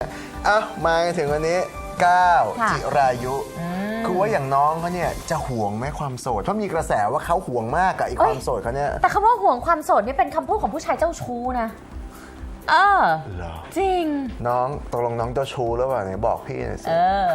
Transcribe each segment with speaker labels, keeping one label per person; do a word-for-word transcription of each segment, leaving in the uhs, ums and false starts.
Speaker 1: อ่ะมาถึงวันนี้ก้าว
Speaker 2: ค่ะ
Speaker 1: จิรายุคือว่าอย่างน้องเขาเนี่ยจะห่วงไหมความโสดเพราะมีกระแสว่าเขาห่วงมากกับไอ้ความโสดเขาเนี่ย
Speaker 2: แต่คำว่าห่วงความโสดนี่เป็นคำพูดของผู้ชายเจ้าชู้นะเออ
Speaker 1: เหรอ
Speaker 2: จริง
Speaker 1: น้องตกลงน้องเจ้าชู้หรือเปล่าไหนบอกพี่หน่อยสิ
Speaker 2: เออ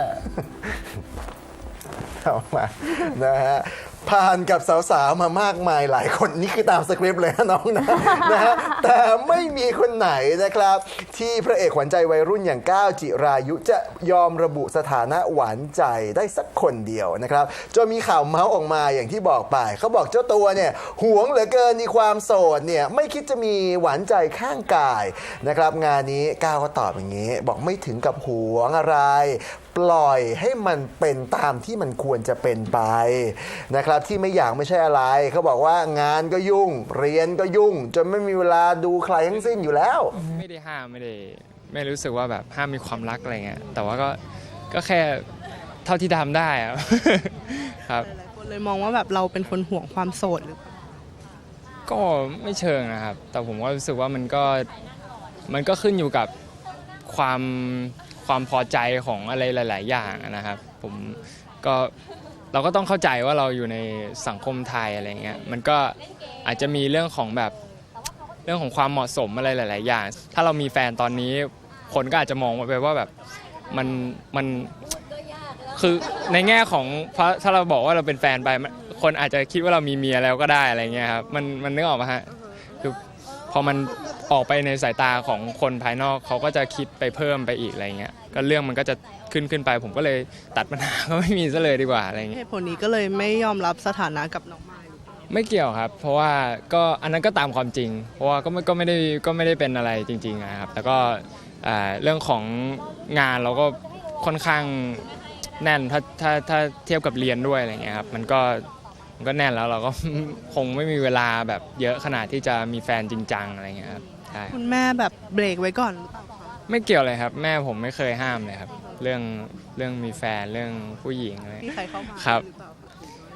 Speaker 1: เอามานะฮะผ่านกับสาวๆมามากมายหลายคนนี่คือตามสคริปต์เลยนะน้องนะนะฮะแต่ไม่มีคนไหนนะครับ ที่พระเอกขวัญใจวัยรุ่นอย่างก้าวจิรายุจะยอมระบุสถานะหวานใจได้สักคนเดียวนะครับจนมีข่าวเมาส์ออกมาอย่างที่บอกไปเขาบอกเจ้าตัวเนี่ยหวงเหลือเกินในความโสดเนี่ยไม่คิดจะมีหวานใจข้างกายนะครับงานนี้ก้าวก็ตอบอย่างนี้ บอกไม่ถึงกับหวงอะไร ปล่อยให้มันเป็นตามที่มันควรจะเป็นไปนะครับที่ไม่อยากไม่ใช่อะไรเขาบอกว่างานก็ยุ่งเรียนก็ยุ่ง จนไม่มีเวลาดูใครทั้งสิ้นอยู่แล้ว
Speaker 3: ไม่ได้ห้ามไม่ได้ไม่รู้สึกว่าแบบห้ามมีความรักอะไรเงี้ยแต่ว่าก็ก็แค่เท่าที่ทำได้อะ ครับ
Speaker 4: หลายคนเลยมองว่าแบบเราเป็นคนห่วงความโสดหรือเปล่า
Speaker 3: ก็ไม่เชิงนะครับ แต่ผมก็รู้สึกว่ามันก็มันก็ขึ้นอยู่กับความความพอใจของอะไรหลาย ๆ อย่างนะครับผมก็เราก็ต้องเข้าใจว่าเราอยู่ในสังคมไทยอะไรเงี้ยมันก็อาจจะมีเรื่องของแบบเรื่องของความเหมาะสมอะไรหลาย ๆ อย่าง ถ้าเรามีแฟนตอนนี้คนก็อาจจะมองไปว่าแบบมันมันคือในแง่ของถ้าเราบอกว่าเราเป็นแฟนไปคนอาจจะคิดว่าเรามีเมียแล้วก็ได้อะไรเงี้ยครับมันมันนึกออกไหมฮะคือพอมันออกไปในสายตาของคนภายนอกเขาก็จะคิดไปเพิ่มไปอีกอะไรเงี้ยก็เรื่องมันก็จะขึ้นขึ้นไปผมก็เลยตัดปัญหาก็ไม่มีซะเลยดีกว่าอะไรเงี้ย
Speaker 4: เหตุผลนี้ก็เลยไม่ยอมรับสถานะกับน้องมายหรือเปล่า
Speaker 3: ไม่เกี่ยวครับ เพราะว่าก็อันนั้นก็ตามความจริง เพราะว่าก็ไม่ก็ไม่ได้ก็ไม่ได้เป็นอะไรจริงๆนะครับแล้วก็เรื่องของงานเราก็ค่อนข้างแน่นถ้าถ้าถ้าเทียบกับเรียนด้วยอะไรเงี้ยครับมันก็มันก็แน่นแล้วเราก็ คงไม่มีเวลาแบบเยอะขนาดที่จะมีแฟนจริงจังอะไรเงี้ยครับใช่
Speaker 4: คุณแม่แบบเบรกไว้ก่อนหรือเปล่าคะ
Speaker 3: ไม่เกี่ยวเลยครับแม่ผมไม่เคยห้ามเลยครับเรื่องเรื่องมีแฟนเรื่องผู้หญิงอะไร
Speaker 4: มีใครเข้ามา
Speaker 3: ครับ
Speaker 4: หรือเปล่าคะ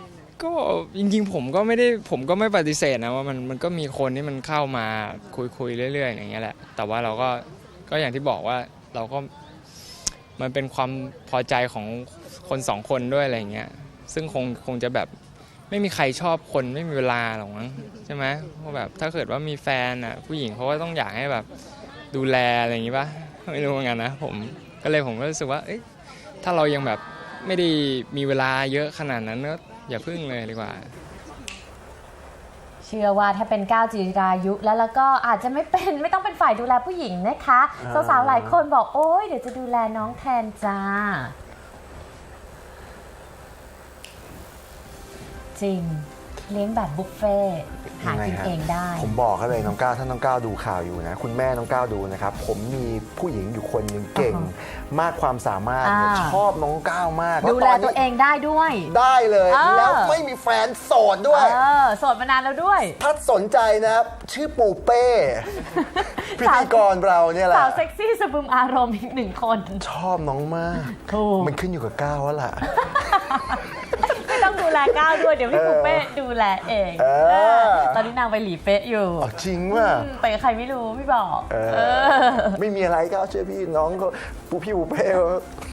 Speaker 3: ก็จริงๆผมก็ไม่ได้ผมก็ไม่ปฏิเสธนะว่ามันมันก็มีคนที่มันเข้ามาคุยคุยเรื่อยๆอย่างเงี้ยแหละแต่ว่าเราก็ก็อย่างที่บอกว่าเราก็มันเป็นความพอใจของคนสองคนด้วยอะไรเงี้ยซึ่งคงคงจะแบบไม่มีใครชอบคนไม่มีเวลาหรอกมั้งใช่ไหมเพราะแบบถ้าเกิดว่ามีแฟนอ่ะผู้หญิงเขาก็ต้องอยากให้แบบดูแลอะไรอย่างงี้ป่ะไม่รู้เหมือนกันนะผมก็เลยผมก็รู้สึกว่าเอ้ยถ้าเรายังแบบไม่ได้มีเวลาเยอะขนาดนั้นก็อย่าพึ่งเลยดีกว่า
Speaker 2: เชื่อว่าถ้าเป็นก้าวจิรายุแล้วแล้วก็อาจจะไม่เป็นไม่ต้องเป็นฝ่ายดูแลผู้หญิงนะคะ
Speaker 1: อ่า
Speaker 2: สาวๆหลายคนบอกโอ๊ยเดี๋ยวจะดูแลน้องแทนจ้าจริงเลี้ยงแบบบุฟเฟ่ต์หากินเองได้
Speaker 1: ผมบอกเขาเลยน้องก้าวถ้าน้องก้าวดูข่าวอยู่นะคุณแม่น้องก้าวดูนะครับผมมีผู้หญิงอยู่คนหนึ่งเก่ง มากความสามารถเนี่ย
Speaker 2: อ่า
Speaker 1: ชอบน้องก้าวมาก
Speaker 2: ดูแลตัวเองได้ด้วย
Speaker 1: ได้เลย
Speaker 2: เออ
Speaker 1: แล้วไม่มีแฟนโสดด้วย
Speaker 2: เออโสดมานานแล้วด้วย
Speaker 1: ถ้าสนใจนะครับชื่อปูเป้ พิธีกรเราเนี่ยแหละ
Speaker 2: สาวเซ็กซี่สะบึมอารมณ์อีกหนึ่งคน
Speaker 1: ชอบน้องมาก
Speaker 2: ถูก
Speaker 1: มันขึ้นอยู่กับก้าวแล้วล่ะ
Speaker 2: ไม่ต้องดูแลก้าวด้วยเดี๋ยวพี่ปูเป้ดูแลเอง
Speaker 1: เออ
Speaker 2: เออตอนนี้นางไปหลีเป๊ะอยู่
Speaker 1: อ๋อจริงว่ะ
Speaker 2: อืมไปกับใครไม่รู้พี่บอก
Speaker 1: เออ
Speaker 2: เออ
Speaker 1: ไม่มีอะไรก้าวเชื่อพี่น้องเขาปูพี่ปูเป้เขา